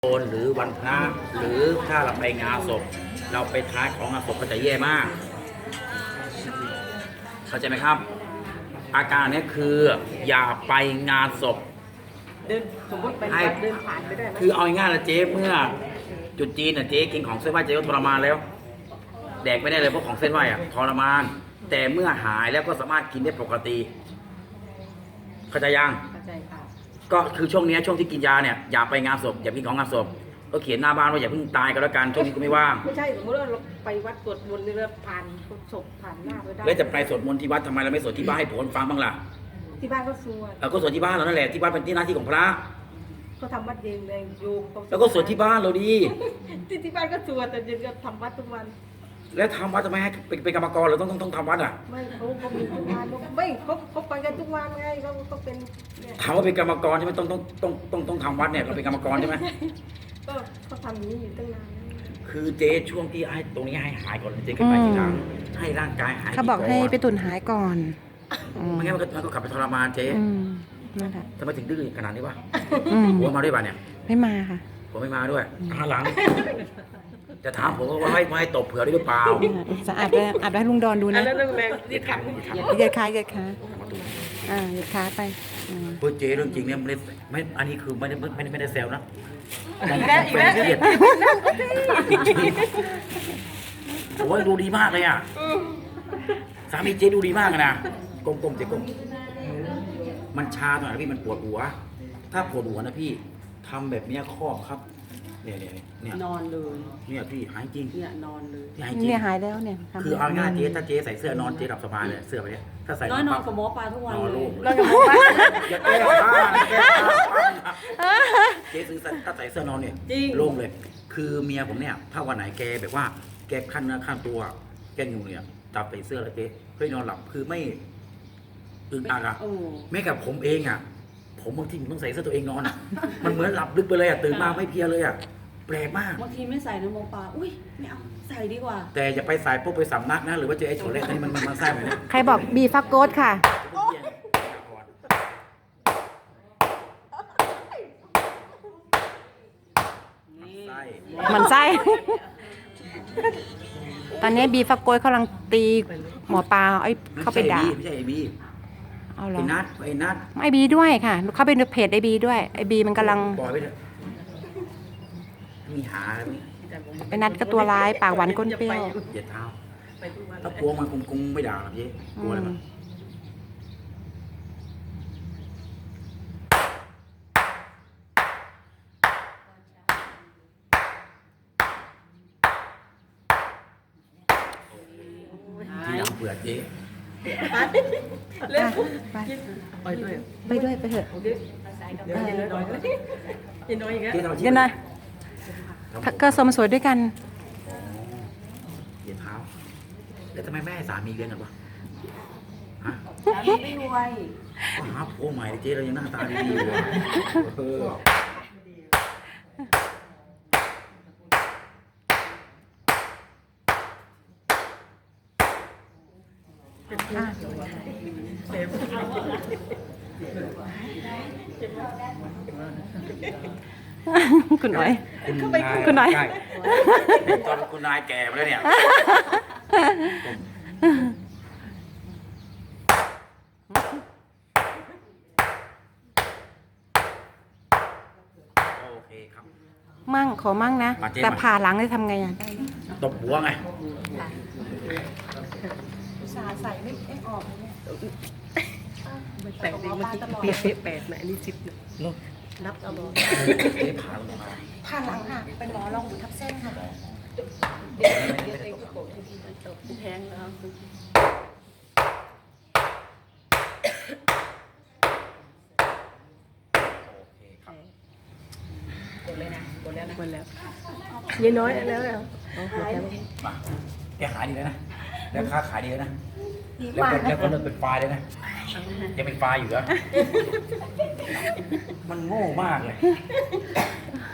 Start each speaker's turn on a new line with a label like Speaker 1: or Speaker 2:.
Speaker 1: โกนหรือวันพระหรือถ้าเราไปงานศพเราไปท้ายของงานศพก็จะแย่มากเข้าใจไหมครับ อาการนี้คืออย่าไปงานศพ
Speaker 2: เดินสมมติไปเดินผ่านไปได้ไหม
Speaker 1: คือเอาง่ายๆนะเจ๊เมื่อจุดจีนน่ะเจ๊กินของเส้นไหว้เจ๊ก็ทรมานแล้วแดกไม่ได้เลยเพราะของเส้นไหว้อะทรมานแต่เมื่อหายแล้วก็สามารถกินได้ปกติเข้าใจยัง
Speaker 2: เข้าใจค่ะ
Speaker 1: ก็คือช่วงนี้ช่วงที่กินยาเนี่ยอย่าไปงานศพอย่ากินของงานศพก็เขียนหน้าบ้านว่าอย่าเพิ่งตายกันแล้วกันช่วงนี้ก็ไม่ว่าง
Speaker 2: ไม่ใช่สมมติว่าเราไปวัดสวดมนต์นี่เราผ่านศพผ่านหน้าไปได้
Speaker 1: แล้วจะไปสวดมนต์ที่วัดทำไมเราไม่สวดที่บ้านให้ผลฟังบ้างล่ะ
Speaker 2: ที่บ้านก็สวด
Speaker 1: ก็สวดที่บ้านเรานั่นแหละที่บ้านเป็นที่หน้าที่ของพระ
Speaker 2: ก็ทำวัดเย็นเลยโยม
Speaker 1: แล้วก็สวดที่บ้านเราดี
Speaker 2: ที่บ้านก็สวดแต่เย็นก็ทำวัดทุกวัน
Speaker 1: แล้วทำวัดทำไมให้เป็นกรรมกรเราต้องทำวัดอ่ะ
Speaker 2: ไม่เขามีทุกวันไม่เขาไปกันทุกวันไงเขาเป็น
Speaker 1: ถามว่าเป็นกรรมกรใช่ไหมต้องทำวัดเนี่ยเราเป็นกรรมกรใช่ไหม
Speaker 2: ก็เขาทำอย่างนี้อยู่ตั้งนาน
Speaker 1: คือเจ๊ช่วงที่ให้ตรงนี้ให้หายก่อนเจ๊ขึ้นไปทีหลังให้ร่างกายหาย
Speaker 3: เขาบอกให้ไปตุนหายก่อน
Speaker 1: ไม่งั้นมันก็กลับไปทรมานเจ๊
Speaker 3: นั่นแหละ
Speaker 1: ทำไมถึงดื้อขนาดนี้วะหัวมาด้วยป่ะเนี่ย
Speaker 3: ไม่มาค่ะ
Speaker 1: ผมไม่มาด้วยหลังจะถามผมว่าให้ตบเผื่อได้หรือเปล่า
Speaker 3: จะอาบให้ลุงดอนดูนะ
Speaker 2: แล้วลุงแรง
Speaker 1: เหยียดขา
Speaker 3: เหยียดขาเหยียดขาเหยียดขาไป
Speaker 1: เพื่อเจ๊เรื่องจริงเนี่ยไม่อันนี้คือไม่ได้แซวนะ
Speaker 2: อีกแล้ว
Speaker 1: โอ้ยดูดีมากเลยอ่ะสามีเจ๊ดูดีมากนะกลมๆเจ๊กลมมันชาตรงไหนพี่มันปวดหัวถ้าปวดหัวนะพี่ทำแบบนี้ครอบครับเนี่ย
Speaker 2: นอนเลย
Speaker 1: เนี่ยพี่หายจริง
Speaker 2: เนี่ยนอนเลย
Speaker 3: เนี่ยหายแล้วเนี่ย
Speaker 1: คือเอาง่ายเจ๊ถ้าเจ๊ใส่เสื้อนอนเจ๊หลับสบายเลยเสื้อแบบนี้ถ้าใส่
Speaker 2: นอนกับหมอปลาทุกวันเลย
Speaker 1: นอนกับหมอปลาอย่าแก้ผ้าเจ๊ซื้อถ้าใส่เสื้อนอนเนี่ยโล่งเลยคือเมียผมเนี่ยถ้าวันไหนแกแบบว่าแกขั้นเนื้อขั้นตัวแกอยู่เนี่ยจับใส่เสื้อแล้วเจ๊เฮ้ยนอนหลับคือไม่อึดอัดอะแม้กับผมเองอะผมบางทีต้องใส่เสื้อตัวเองนอนอ่ะมันเหมือนหลับลึกไปเลยอ่ะตื่นมาไม่เพียเลยอ่ะแปลกมาก
Speaker 2: บางทีไม่ใส่นะหมอปลาอุ้ยไม่เอาใส่ดีกว่า
Speaker 1: แต่อย่าไปใส่พวกไปสำนักนะหรือว่าเจอไอ้โฉเล่นี่มันแซ่บเลยนะ
Speaker 3: ใครบอกบีฟักโกดค่ะมันไส้ตอนนี้บีฟักโกดกำลังตีหมอปลาไอ้เข้าไปด่า
Speaker 1: ไม่ใช่ไอ้บี
Speaker 3: ไอ้
Speaker 1: นัท
Speaker 3: ไอบีด้วยค่ะเข้าไปในเพจไอบีด้วยไอบีมันกำลัง
Speaker 1: ปล่อยไปเถอะมีหา
Speaker 3: ไอนัทก็ตัวร้ายปากหวานก้นเปรี้ยว
Speaker 1: เหยียดเท้าถ้ากลัวมันคงไม่ด่าหรอกเจ๊กลัวอะไรมั้งที่หลังเบื่อเจ๊
Speaker 3: ไปเถอะ
Speaker 2: ยินน้อยอีกแล้ว
Speaker 3: ยินน้อยก็สมสวยด้วยกัน
Speaker 1: เหยียดเท้าแล้วทำไมแม่ให้สามีเลี้ยงกันวะฮะ
Speaker 2: ไม่รวย
Speaker 1: ก็หาโอ้ใหม่เจ๊เรายังหน้าตาดีอยู่
Speaker 3: คุณน้อย
Speaker 1: ตอนคุณนายแก่มาแล้วเนี่ยโอเคครับ
Speaker 3: ขอมั่งนะแต่ผ่าหลังได้ทำไงอ่ะ
Speaker 1: ตบหัวไง
Speaker 2: ใส่ไม่ออกแปดเมื่อกี้8นะอันนี้10นะนับเอาบ่
Speaker 3: ผ่าหลังค่ะเป็นหมอรองหูทับเส้นค่ะ
Speaker 2: แพงแล้วกดแล้วยัยน้อยแล้ว
Speaker 1: แกขายดีเลยนะแล้วค้าขายดีเลยนะแล้วก็เลิกเป็นไฟเลยนะยังเป็นไฟอยู่เหรอมันโง่มากเลย